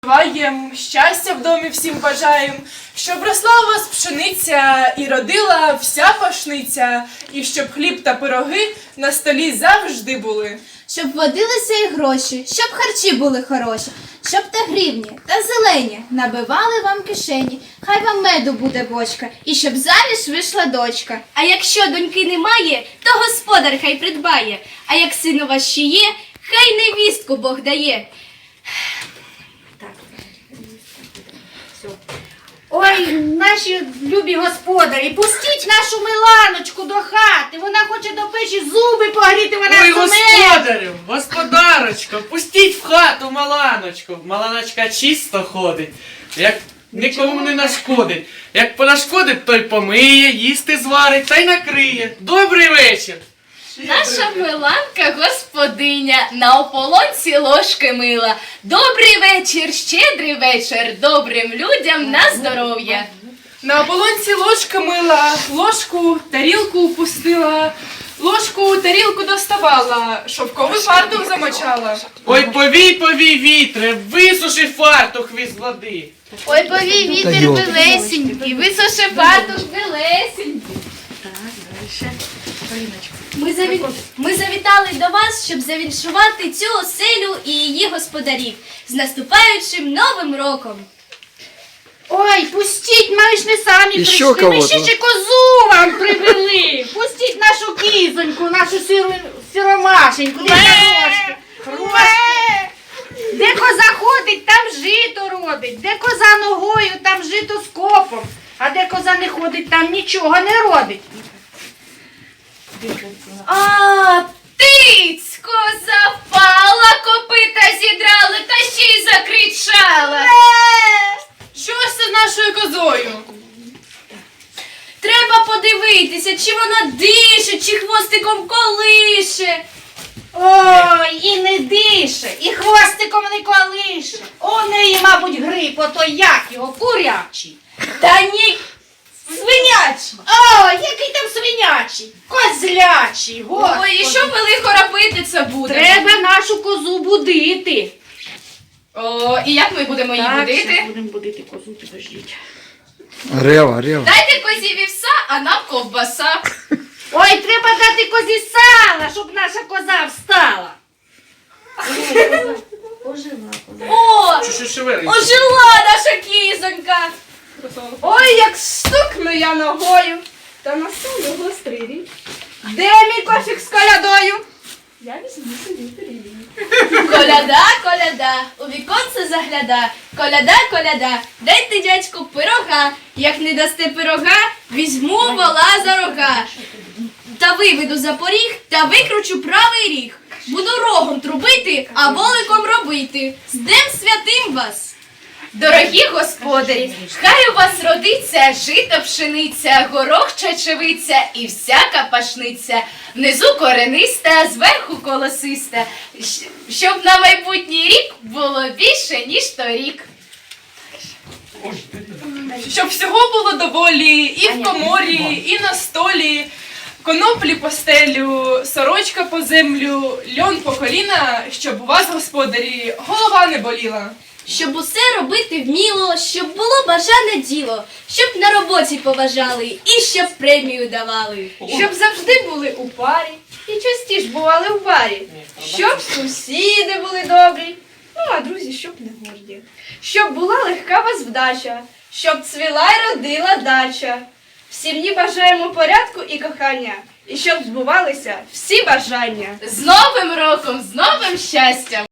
Бажаєм, щастя в домі всім бажаєм, щоб росла у вас пшениця і родила вся пашниця, і щоб хліб та пироги на столі завжди були. Щоб водилися і гроші, щоб харчі були хороші, щоб та гривні, та зелені набивали вам кишені, хай вам меду буде бочка, і щоб заміж вийшла дочка. А якщо доньки немає, то господар хай придбає, а як син у вас ще є, хай невістку Бог дає. Ой, наші любі господарі, пустіть нашу Миланочку до хати. Вона хоче до печі зуби погріти, вона Ой, суме. господарю, господарочко, пустіть в хату Маланочку. Маланочка чисто ходить, як нікому не нашкодить. Як понашкодить, той помиє, їсти зварить та й накриє. Добрий вечір. Наша Миланка господиня, на ополонці ложки мила. Добрий вечір, щедрий вечір, добрим людям на здоров'я. На оболонці ложка мила, ложку, тарілку упустила, ложку, тарілку доставала, шовковий фартух замочала. Ой, повій, повій, вітре, висуши фартух від води. Ой, повій вітер білесенький, висуши фартух білесенький. Ми завітали до вас, щоб завіншувати цю оселю і її господарів з наступаючим Новим роком. Ой, пустіть, ми ж не самі І ще прийшли, ми кого-то. ще козу вам привели. Пустіть нашу кізоньку, нашу сіромашеньку. Де коза ходить, там жито родить. Де коза ногою, там жито з копом. А де коза не ходить, там нічого не родить. А, тиць, коза впала, копита зідрали та ще й закричала. Що ж це з нашою козою? Треба подивитися, чи вона дише, чи хвостиком колише. Ой, і не дише, і хвостиком не колише. У неї, мабуть, грип, ото як його, курячий. Та ні, свинячий. О, який там свинячий, козлячий, господи. Ой, і що ми лихо робити це буде? Треба нашу козу будити. О, і як ми будемо її Так, будити? щас будемо будити козу, підождіть. Рева, рева. Дайте козі вівса, а нам ковбаса. Ой, треба дати козі сала, щоб наша коза встала. О, Що шевелить? ожила наша кізонька. Ой, як стукну я ногою, та настаю гострий рік. Де мій кошик з колядою? Я візьму собі пиріг. Коляда, коляда, у віконце загляда. Коляда, коляда, дайте, дядьку, пирога. Як не дасте пирога, візьму вола за рога. Та виведу за поріг, та викручу правий ріг. Буду рогом трубити, а воликом робити. З Днем святим вас! Дорогі господарі, хай у вас родиться жито пшениця, горох чечевиця і всяка пашниця. Внизу корениста, зверху колосиста, щоб на майбутній рік було більше, ніж торік. Щоб всього було доволі і в коморі, і на столі, коноплі по стелю, сорочка по землю, льон по коліна, щоб у вас, господарі, голова не боліла. Щоб усе робити вміло, щоб було бажане діло, щоб на роботі поважали і щоб премію давали. Щоб завжди були у парі і частіше бували в барі. Щоб сусіди були добрі, ну а друзі, щоб не горді. Щоб була легка вас вдача, щоб цвіла й родила дача. В сім'ї бажаємо порядку і кохання, і щоб збувалися всі бажання. З Новим роком, з новим щастям!